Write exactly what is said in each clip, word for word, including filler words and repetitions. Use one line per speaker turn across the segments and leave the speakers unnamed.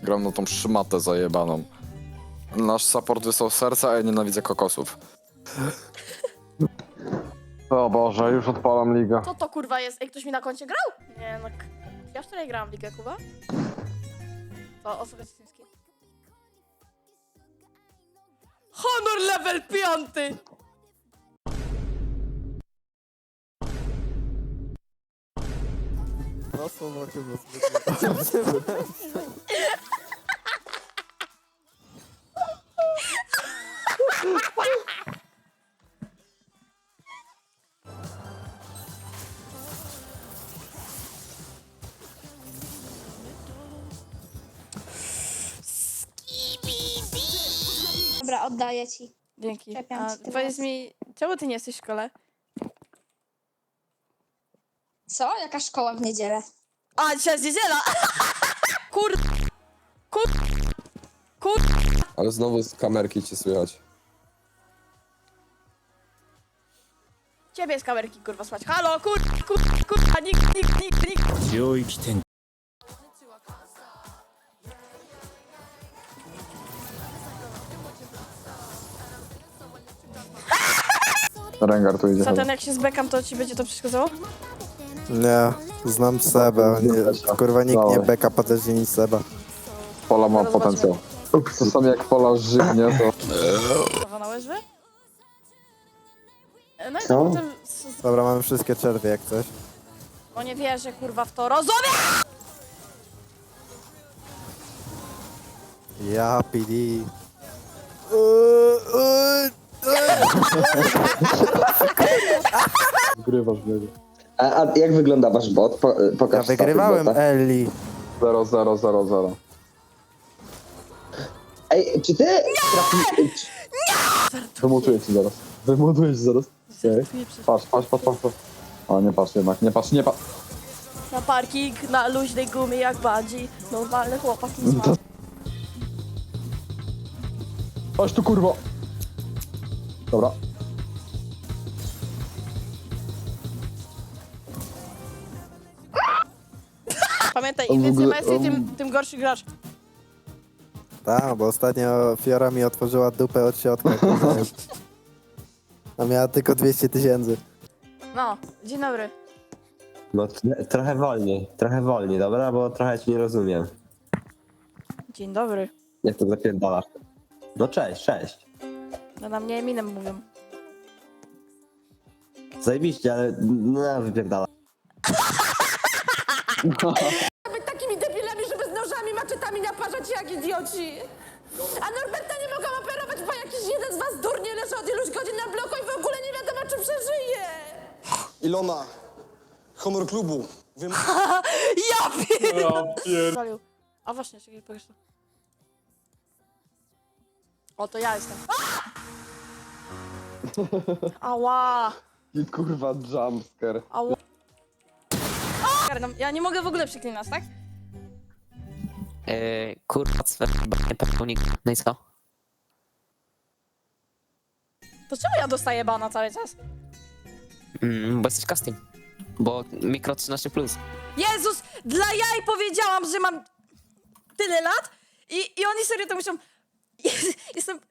gram na tą szmatę zajebaną. Nasz support wysłał serca, a ja nienawidzę kokosów. O Boże, już odpalam ligę.
Co to kurwa jest? Ej, ktoś mi na koncie grał? Nie, no... k- Ja wczoraj grałam w ligę, Kuba. To osoba cytyńskiej. Honor level piąty!
No słowo chyba.
Dobra, oddaję ci.
Dzięki.
Czepiam
A
cię teraz.
powiedz mi, czemu ty nie jesteś w szkole?
Co? Jaka szkoła w niedzielę?
A, dzisiaj jest niedziela! Kur... Kur... Kur...
Ale znowu z kamerki cię słychać.
Ciebie z kamerki, kurwa, słać. Halo, kur... Kur... Kurwa, nikt, nikt, nikt, nikt.
領域展
Rengar tu idzie.
Satan, jak się zbekam, to ci będzie to przeszkadzało?
Nie, znam Sebę. Nie, kurwa nikt nie beka potężnie niż Seba.
Pola ma
Zaraz
potencjał. Czasami jak Pola żywnie, to...
Prawa na łyżwy? E, No i
Co?
to potem... s- s-
Dobra, mamy wszystkie czerwie jak coś.
No nie wierzę, kurwa, w to. Rozumiem!
Ja, P D.
Wygrywasz w niego.
A, a jak wygląda wasz bot? Po, pokaż
Ja wygrywałem
staty bota.
Ellie.
zero zero zero zero.
Ej, czy ty trafi...
Wymutuję ci zaraz. Wymutuję ci zaraz. Okej.
Tu nie przecież.
Patrz, patrz, patrz, patrz. patrz. O, nie patrz jednak, nie patrz, nie patrz.
Na parking, na luźnej gumie jak badzi. Normalny chłopak nie zma.
Chodź tu, kurwo. Dobra.
Pamiętaj,
On
im
w
więcej
ogóle-
mesji, tym,
on-
tym gorszy grasz.
Tak, bo ostatnio Fiora mi otworzyła dupę od środka. A miała tylko dwieście tysięcy.
No, dzień dobry.
No t- trochę wolniej, trochę wolniej, dobra? Bo trochę cię nie rozumiem.
Dzień dobry.
Jak to zapierdalasz? No cześć, cześć.
No na mnie Eminem mówią.
Zajebiście, ale no wypierdala.
Być takimi debilami, żeby z nożami, maczetami naparzać jak idioci. A Norberta nie mogą operować, bo jakiś jeden z was durnie leży od iluś godzin na bloku i w ogóle nie wiadomo, czy przeżyje.
Ilona, honor klubu. Wym...
Ja pierdolę! A właśnie, czekaj, pokaż to. O, to ja jestem. Ała!
I kurwa jumpscare.
Ała! A! Ja nie mogę w ogóle przeklinać, tak?
Yy, kurwa, sfer, pełnik. No i co?
To czemu ja dostaję bana cały czas?
Mm, bo jesteś casting. Bo mikro trzynaście plus.
Jezus! Dla jaj powiedziałam, że mam tyle lat i, i oni serio to myślą... Jestem...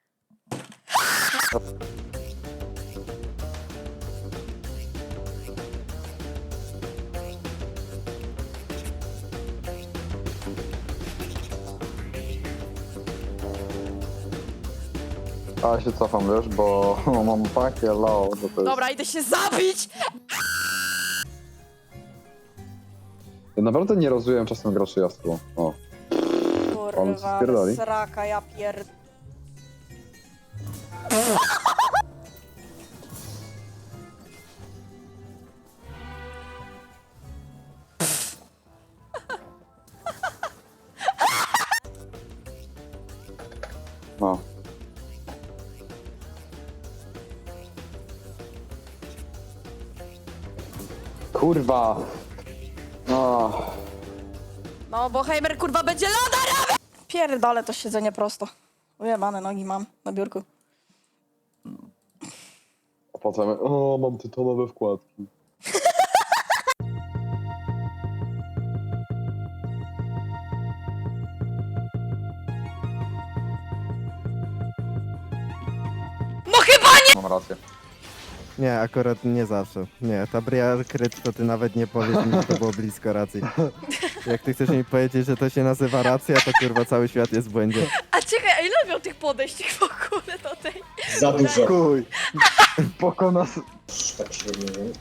A ja się cofam, wiesz, bo mam takie low, że to jest...
Dobra, idę się zabić!
Ja naprawdę nie rozumiem czasem graczy jaskół. O. On
Kurwa,
spierdoli.
sraka, ja pierd...
No. Kurwa. No.
No, bo Heimer kurwa będzie loda robił! Pierdolę to siedzenie prosto. Ujebane nogi mam na biurku.
A potem, o, mam tytonowe wkładki. Mam rację.
Nie, akurat nie zawsze. Nie, ta Briar kryt to ty nawet nie powiesz mi, że to było blisko racji. Jak ty chcesz mi powiedzieć, że to się nazywa racja, to kurwa cały świat jest w błędzie.
A czekaj, a ile miał tych podejść w ogóle do tej?
Za dużo.
Kuj. Pokona...
Tak średnio, nie?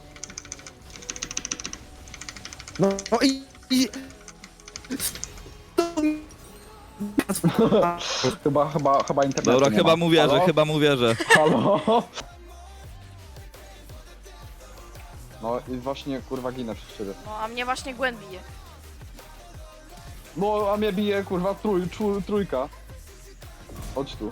No, no i... i...
Chyba, chyba, chyba internetu
Dobra,
nie
chyba
ma.
mu wierzę,
Halo?
chyba mu wierzę.
Halo? No i właśnie kurwa ginę przez ciebie.
No, a mnie właśnie Gwen bije.
No a mnie bije kurwa trój, trój, trójka. Chodź tu.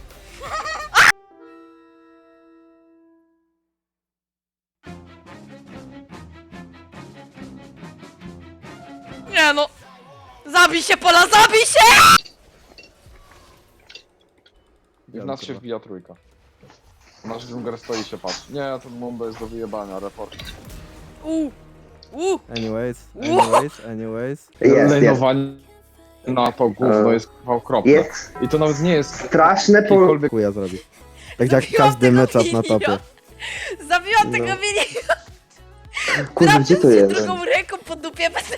Nie no! Zabij się, Pola, zabij się!
I w nas się wbija trójka. Nasz dżungler stoi i się patrzy. Nie, ten Mundo jest do wyjebania, report.
Uuu! Uuu!
Anyways, anyways, anyways.
Jest, jest.
Lejnowanie na to gówno
E,
jest kurwa okropne.
Jest
I to nawet nie jest
straszne po...
jakikolwiek...
Chuja zrobi. Tak jak
Zabiłam
każdy
tego
meczap na
miniona.
topie.
Zabiłam
No.
tego mini!
Kurwa, gdzie to jest?
drugą ręką po dupie będę...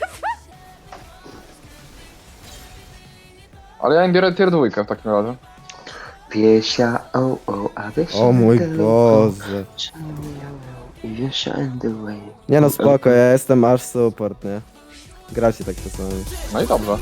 Ale ja im biorę tier dwójkę w takim razie.
Piesia, o, o, a wysia
O mój
tylko.
Boże.
I jeszcze and the way.
Nie no spoko, ja jestem aż support, nie? Gra się tak czasami.
No i dobrze.